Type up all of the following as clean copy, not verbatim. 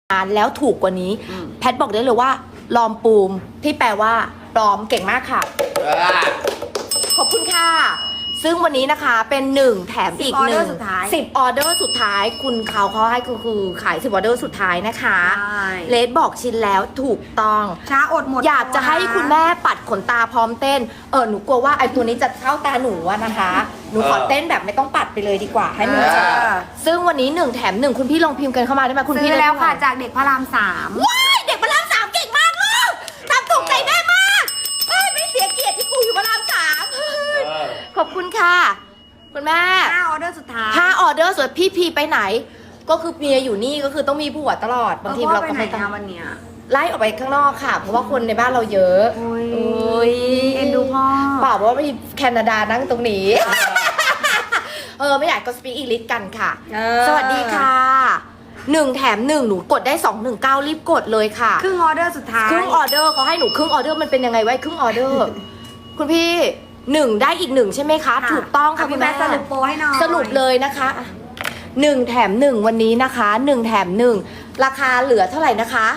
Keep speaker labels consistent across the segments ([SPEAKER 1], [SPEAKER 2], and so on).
[SPEAKER 1] แล้วถูกกว่านี้แพทบอกได้เลยว่าลอมปูมที่แปลว่าปลอมเก่งมากค่ะขอบคุณค่ะซึ่งวันนี้นะคะเป็น1แถมอีก1 10 ออเดอร์สุดท้ายคุณเขาให้คือขาย10 ออเดอร์สุดท้ายนะคะเลดบอกชินแล้วถูกต้อง
[SPEAKER 2] ช้าอดหมด
[SPEAKER 1] อยากจะให้คุณแม่ปัดขนตาพร้อมเต้นหนูกลัวว่าไอ้ตัวนี้จะเข้าตาหนูนะคะหนูขอเต้นแบบไม่ต้องปัดไปเลยดีกว่าให้มันเจอซึ่งวันนี้1แถม1คุณพี่ลองพิมพ์กันเข้ามาได้ไหมคุณพี่
[SPEAKER 2] ซื้อแล้วค่ะจากเด็กพระราม3
[SPEAKER 1] ว้ายเด็กพระราม3เก่งมากลูกทำถูกใจแม่มากไม่เสียเกียรติที่กูอยู่พระราม3ขอบคุณค่ะคุณแม่
[SPEAKER 2] 5 ออเดอร์สุดท้าย
[SPEAKER 1] 5 ออเดอร์ส่วนพี่พีไปไหนก็คือเมียอยู่นี่ก็คือต้องมีผัวตลอดบางทีเราก็ไม่
[SPEAKER 2] ต้องวันเนี้ย
[SPEAKER 1] ไล่ออกไปข้างนอกค่ะเพราะว่าคนในบ้านเราเยอะ
[SPEAKER 2] โอ้ยเอ็นดูพ่อ
[SPEAKER 1] เปล่าว่ามีแคนาดานั่งตรงนี้ไม่อยากก็สปีกอังกฤษกันค่ะสวัสดีค่ะ1แถม1หนูกดได้219รีบกดเลยค่ะ
[SPEAKER 2] ครึ่งออเดอร์สุดท้าย
[SPEAKER 1] ครึ่งออเดอร์เขาให้หนูครึ่งออเดอร์มันเป็นยังไงไว้ครึ่งออเดอร์คุณพี่1ได้อีก1ใช่ไหมคะถูกต้องค่ะ
[SPEAKER 2] คุณแม่สรุปโปรให้หน่อย
[SPEAKER 1] สรุปเลยนะคะ1แถม1วันนี้นะคะ1แถม1ราคาเหลือเท่าไหร่นะคะ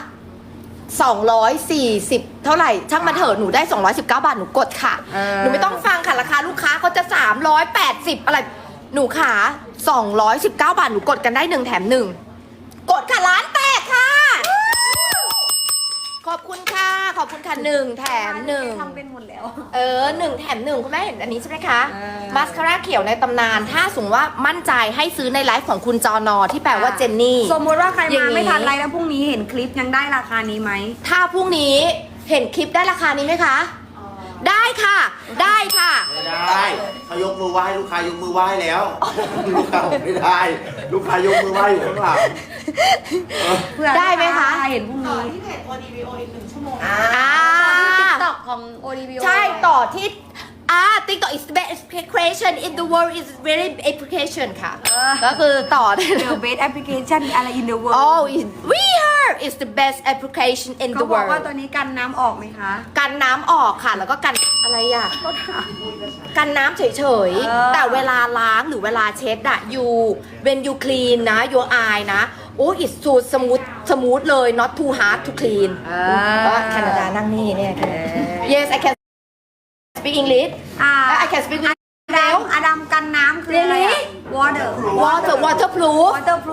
[SPEAKER 1] 240เท่าไหร่ช่างมาเถอะหนูได้219 บาทหนูกดค่ะหนูไม่ต้องฟังค่ะราคาลูกค้าเขาจะ380อะไรหนูขา219 บาทหนูกดกันได้1แถม1กดค่ะร้านแตกค่ะขอบคุณค่ะขอบคุณค่ะ1แถม1
[SPEAKER 2] ทำเป็นหมดแล้ว
[SPEAKER 1] 1แถม1คุณแม่เห็นอันนี้ใช่ไหมคะมาสคาร่าเขียวในตำนานถ้าสมมติว่ามั่นใจให้ซื้อในไลฟ์ของคุณจอนอที่แปลว่าเจนนี่
[SPEAKER 2] สมมติว่าใครมาไม่ทันไลฟ์แล้วพรุ่งนี้เห็นคลิปยังได้ราคานี้ไหม
[SPEAKER 1] ถ้าพรุ่งนี้เห็นคลิปได้ราคานี้ไหมคะได้ค่ะได้ค่ะ
[SPEAKER 3] ไม่ได้เขายกมือไหว้ลูกค้ายกมือไหว้แล้วลูกค้าไม่ได้ลูกค้ายกมือไหว้อยู่ข้างหลัง
[SPEAKER 1] ได้ไหมคะ
[SPEAKER 2] เห็นพรุ่งนี้
[SPEAKER 4] ที่เพจ ODBO อีก1 ชั่วโมง
[SPEAKER 2] TikTok ของ ODBO
[SPEAKER 1] ใช่ต่อที่TikTok is the best application in the world is very application ค่ะก็คือต่อได้
[SPEAKER 2] The best application อะไร in the world
[SPEAKER 1] Oh we heard is the best application in the world
[SPEAKER 2] เขาบอกว่าตัวนี้กันน้ำออกไหมคะ
[SPEAKER 1] กันน้ำออกค่ะแล้วก็กันอะไรอ่ะกันน้ำเฉยๆแต่เวลาล้างหรือเวลาเช็ดอะ you when you clean นะ your eye นะโอ้ it's so smooth เลย not too hard to clean ก็แคนาดานั่งนี่เนี่ย yes I can speak English I can speak English
[SPEAKER 2] อดัมกันน้ำคืออะไร
[SPEAKER 1] waterproof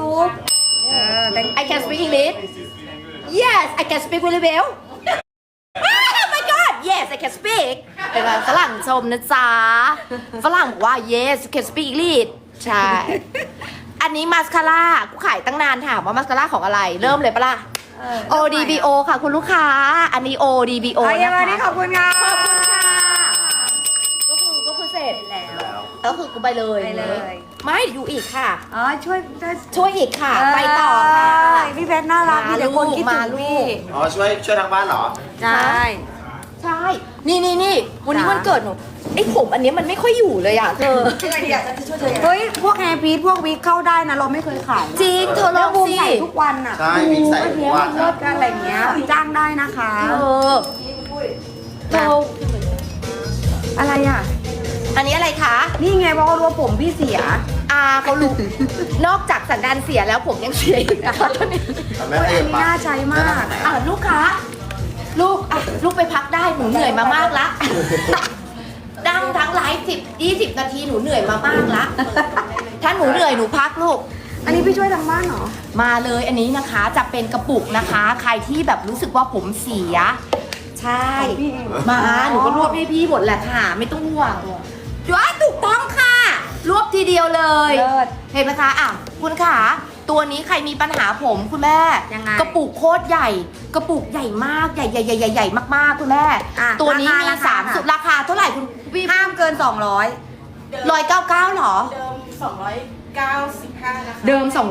[SPEAKER 1] I can speak English yes I can speak really well oh my god yes I can speak เป็นฝรั่งชมนะจ๊ะฝรั่งบอกว่า yes you can speak English ใช่อันนี้มาสคาร่ากูขายตั้งนานถามว่ามาสคาร่าของอะไรเริ่มเลยปะล่ะ ODBO ค่ะคุณลูกค้าอันนี้ ODBO นะคะ
[SPEAKER 2] ขอบคุณค่ะ
[SPEAKER 1] ขอบคุณค่ะก็คือเสร็จแล้วก็คือกูไปเลยไม่อยู่อีกค่ะช่วยอีกค่ะไปต่อค่ะ
[SPEAKER 2] พี่เพชรน่ารักมีแต่คนคิดถึงพี่
[SPEAKER 3] ช่วยทางบ้านเหรอ
[SPEAKER 1] ใช่นี่วันนี้วันเกิดหนูไอ้ผมอันนี้มันไม่ค่อยอยู่เลยอ่ะเธอ
[SPEAKER 2] เฮ้ยพวกแฮร์พีทพวกวิกเข้าได้นะเราไม่เคยขาย
[SPEAKER 1] จริงเธอลองสิ
[SPEAKER 2] ใส่ทุกวันอ่ะ
[SPEAKER 3] ใช่วิกใส่ทุกวัน
[SPEAKER 2] อะไรเงี้ยจ้างได้นะคะ
[SPEAKER 1] เธอ
[SPEAKER 2] อะไรอ่ะ
[SPEAKER 1] อันนี้อะไรคะ
[SPEAKER 2] นี่ไงเพราะเขารู้ว่าผมพี่เสีย
[SPEAKER 1] เขารู้นอกจากสันดานเสียแล้วผมยังเสียอีกนะคะตอนนี้
[SPEAKER 2] อันนี้น่าใช้มาก
[SPEAKER 1] ลูกค้าลูกไปพักได้หนูเหนื่อยมามากละดังทั้งไลฟ์10-20 นาทีหนูเหนื่อยมามากละถ้าหนูเหนื่อยหนูพักลูก
[SPEAKER 2] อันนี้พี่ช่วยทางบ้านเหรอ
[SPEAKER 1] มาเลยอันนี้นะคะจะเป็นกระปุกนะคะใครที่แบบรู้สึกว่าผมเสียใช่มาหนูก็รวบให้พี่หมดแหละค่ะไม่ต้องห่วงถูกต้องค่ะรวบทีเดียวเลยเห็นไหมคะคุณขาตัวนี้ใครมีปัญหาผมคุณแม่กระปุกโคตรใหญ่กระปุกใหญ่มากใหญ่มากๆคุณแม่ตัวนี้มี3สุดราคาเท่าไหร่คุณ
[SPEAKER 2] พี่ห้ามเกิน200
[SPEAKER 1] 199หรอ
[SPEAKER 4] เดิม295นะคะ
[SPEAKER 1] เดิม295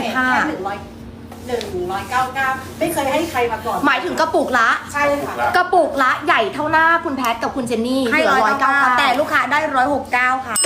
[SPEAKER 4] 199ไม่เคยให้ใครมาก่อน
[SPEAKER 1] หมายถึงกระปุกละ
[SPEAKER 4] ใช่ค่ะ
[SPEAKER 1] กระปุกละใหญ่เท่าหน้าคุณแพทกับคุณเจนนี่
[SPEAKER 2] ให้199แต่ลูกค้าได้169ค่ะ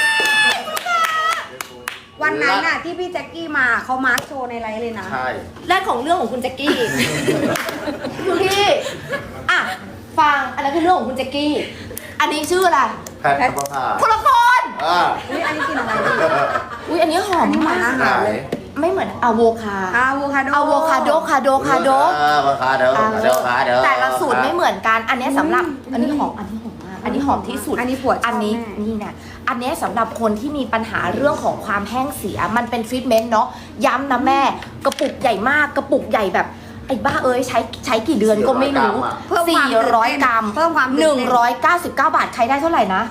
[SPEAKER 2] วันนั้นน่ะที่พี่แจ็คกี้มาเขามาร์คโชว์ในไลฟ์เลยนะ
[SPEAKER 3] ใช่
[SPEAKER 1] แรกของเรื่องของคุณแจ็คกี้คุณพี่ฟังอันนั้นคือเรื่องของคุณแจ็คกี้อันนี้ชื่ออะไร
[SPEAKER 3] แพทย์
[SPEAKER 1] คนละคน
[SPEAKER 2] อันนี้กินอะไร
[SPEAKER 1] อันนี้หอมมาก
[SPEAKER 3] ไหน
[SPEAKER 1] ไม่เหมือนอะโวคา
[SPEAKER 2] อะโวคาโด
[SPEAKER 1] อะโวคาโดคาโดคาโด
[SPEAKER 3] อะโวคาโด
[SPEAKER 1] แต่ละสูตรไม่เหมือนกัน อันนี้สำหรับอันนี้หอมมากอันนี้หอมที่สุด
[SPEAKER 2] อันนี้ปวดชอบ
[SPEAKER 1] อันนี้
[SPEAKER 2] แม่
[SPEAKER 1] นี่นะอันนี้สำหรับคนที่มีปัญหาเรื่องของความแห้งเสียมันเป็นทรีทเมนต์เนาะย้ำนะแม่กระปุกใหญ่มากกระปุกใหญ่แบบไอ้บ้าเอ้ยใช้กี่เดือนก็ไม่รู้
[SPEAKER 2] เพิ่มความตื่นเต้น
[SPEAKER 1] 400 กรัม
[SPEAKER 2] เพิ่มความตื่นเต้น
[SPEAKER 1] 199 บาทใครได้เท่าไหร่นะ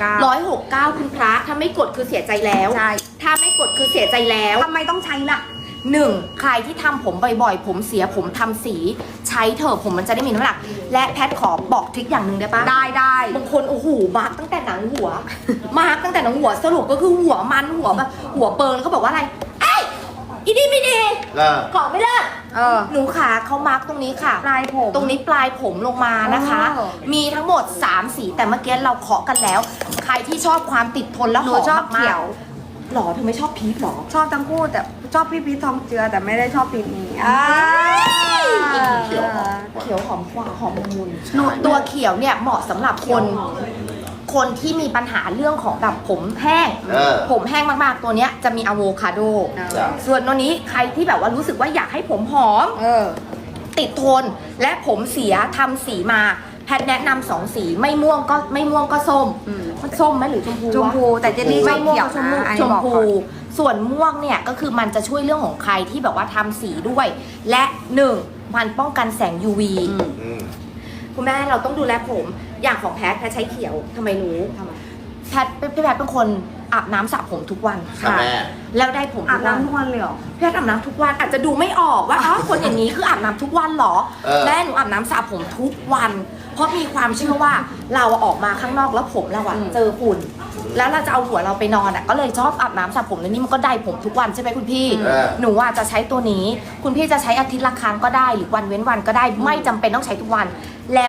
[SPEAKER 2] 169
[SPEAKER 1] คุณพระถ้าไม่กดคือเสียใจแล้ว
[SPEAKER 2] ใช่
[SPEAKER 1] ถ้าไม่กดคือเสียใจแล้ว
[SPEAKER 2] ทำไมต้องใช้ล่ะ
[SPEAKER 1] 1. ใครที่ทำผมบ่อยๆ ผมเสียผมทำสีใช้เถอะผมมันจะได้มีน้ำหนัก และแพทขอบอกทริคอย่างหนึ่งได้ปะ
[SPEAKER 2] ได้
[SPEAKER 1] บางคนโอ้โหมาร์กตั้งแต่หนังหัว มาร์กตั้งแต่หนังหัวสรุปก็คือหัวมันหัวแบบหัวเปิงแล้วก็บอกว่าอะไรเอ้ยอีนี่ไม่ดีของไม่เลิศ หนูขาเขามาร์กตรงนี้ค่ะ
[SPEAKER 2] ปลายผม
[SPEAKER 1] ตรงนี้ปลายผมลงมานะคะ
[SPEAKER 2] อ๋อ
[SPEAKER 1] มีทั้งหมด 3 สีแต่เมื่อกี้เราเคาะกันแล้ว ใครที่ชอบความติดทนและ
[SPEAKER 2] ห
[SPEAKER 1] ห
[SPEAKER 2] นู
[SPEAKER 1] อม
[SPEAKER 2] ชอบ
[SPEAKER 1] มาก
[SPEAKER 2] เขียว
[SPEAKER 1] หรอเธอไม่ชอบพีชหรอ
[SPEAKER 2] ชอบทั้งคู่แต่ชอบพี่พีททองเจือแต่ไม่ได้ชอบพีทนี้
[SPEAKER 3] เขียวหอม
[SPEAKER 1] เขียวหอมกว่าหอมละมุน
[SPEAKER 3] ใช่
[SPEAKER 1] ตัวเขียวเนี่ยเหมาะสำหรับคนที่มีปัญหาเรื่องของแบบผมแห้ง ผมแห้งมากๆตัวเนี้ยจะมีอะโวคาโด
[SPEAKER 3] จ้ะ
[SPEAKER 1] ส่วนตัวนี้ใครที่แบบว่ารู้สึกว่าอยากให้ผมหอม ติดทนและผมเสียทำสีมาแพทย์แนะนำ2 สีไม่ม่วงก็ส้ม มันส้มไหมหรือชมพูวะ
[SPEAKER 2] ชมพูแต่เจนนี่ช
[SPEAKER 1] ไม่
[SPEAKER 2] อบ
[SPEAKER 1] ม่วง
[SPEAKER 2] เขียว
[SPEAKER 1] ชมพู
[SPEAKER 2] นะอัน
[SPEAKER 1] ช
[SPEAKER 2] นี้
[SPEAKER 1] ม
[SPEAKER 2] บอก
[SPEAKER 1] พู
[SPEAKER 2] ก่อน
[SPEAKER 1] ส่วนม่วงเนี่ยก็คือมันจะช่วยเรื่องของใครที่แบบว่าทำสีด้วย และ 1. มันป้องกันแสง UV คุณแม่เราต้องดูแลผมอย่างของแพทย์ใช้เขียวทำไมรู้แพทย์เป็นคนอาบน้ำสระผมทุกวัน
[SPEAKER 3] ค่ะแม่
[SPEAKER 1] แล้วได้ผม
[SPEAKER 2] อา
[SPEAKER 1] ทุ
[SPEAKER 2] บ
[SPEAKER 1] กวัน
[SPEAKER 2] น้ำทุกวันเลยเหรอ
[SPEAKER 1] แพทย์อาบน้ำทุกวันอาจจะดูไม่ออกว่า คนอย่างนี้คืออาบน้ำทุกวันเหรอ แม่หนูอาบน้ำสระผมทุกวัน เพราะมีความเชื่อว่าเราออกมาข้างนอกแล้วผมเราอะเจอฝุ่น แล้วเราจะเอาหัวเราไปนอนอะก็เลยชอบอาบน้ำสระผมแล้วนี่มันก็ได้ผมทุกวันใช่ไหมคุณพี่ หนูว่าจะใช้ตัวนี้ คุณพี่จะใช้อาทิตย์ละครั้งก็ได้หรือวันเว้นวันก็ได้ไม่จำเป็นต้องใช้ทุกวันแล้ว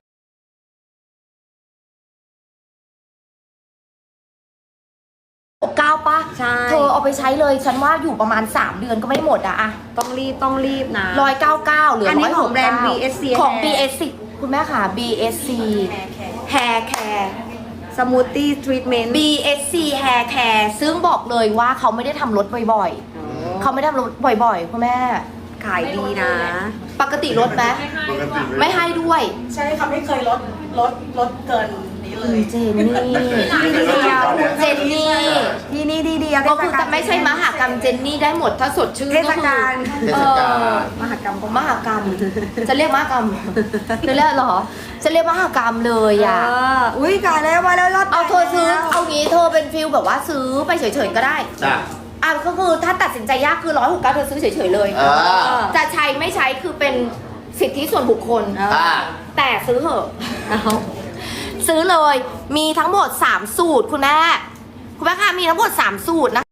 [SPEAKER 1] 9 ป่ะ
[SPEAKER 2] ใช่
[SPEAKER 1] เธอเอาไปใช้เลยฉันว่าอยู่ประมาณ3 เดือนก็ไม่หมดอะ
[SPEAKER 2] ต้องรีบนะ
[SPEAKER 1] 199เหลือ
[SPEAKER 2] อันนี้ของ
[SPEAKER 1] 169
[SPEAKER 2] แบรนด์ BSC
[SPEAKER 1] ของ
[SPEAKER 2] Hair
[SPEAKER 1] BSC คุณแม่ค่ะ BSC Hair Care
[SPEAKER 2] สมูทตี้ทรีทเมนต์
[SPEAKER 1] BSC Hair Care ซึ่งบอกเลยว่าเขาไม่ได้ทำรถบ่อยๆ เขาไม่ได้ทำรถบ่อยๆ คุณแม่
[SPEAKER 2] ขายดีนะ
[SPEAKER 1] ปกติลดไหมไม่ให้ด้วย
[SPEAKER 4] ใช่ค่ะไม่เคยลดเกินนี้เลย
[SPEAKER 1] เจนนี่ เจนนี่
[SPEAKER 2] ที่นี่ดีเดียว
[SPEAKER 1] ก็คือจะไม่ใช่มหากรรมเจนนี่ได้หมดถ้าสดชื่น
[SPEAKER 2] เท
[SPEAKER 1] ก็
[SPEAKER 2] ศ
[SPEAKER 1] คื
[SPEAKER 2] กาล
[SPEAKER 1] เออ
[SPEAKER 2] มหากรรม
[SPEAKER 1] มหากรรม จะเรียกมหากรรมจะเรียกเหรอ จะเรียกมหากรรมเลยอ่ะ
[SPEAKER 2] อุ้ยขายแล้วมาแล้วรอด
[SPEAKER 1] เอาเธอซื้อ เอางี้เธอเป็นฟิลแบบว่าซื้อไปเฉยๆก็ได้
[SPEAKER 3] จ้ะ
[SPEAKER 1] อ่ะก็คือถ้าตัดสินใจยากคือ169เธอซื้อเฉยๆเลย จะใช้ไม่ใช้คือเป็นสิทธิส่วนบุคคล แต่ซื้อเหอะซื้อเลย มีทั้งหมด3 สูตรคุณแม่ค่ะมีทั้งหมด3 สูตรนะคะ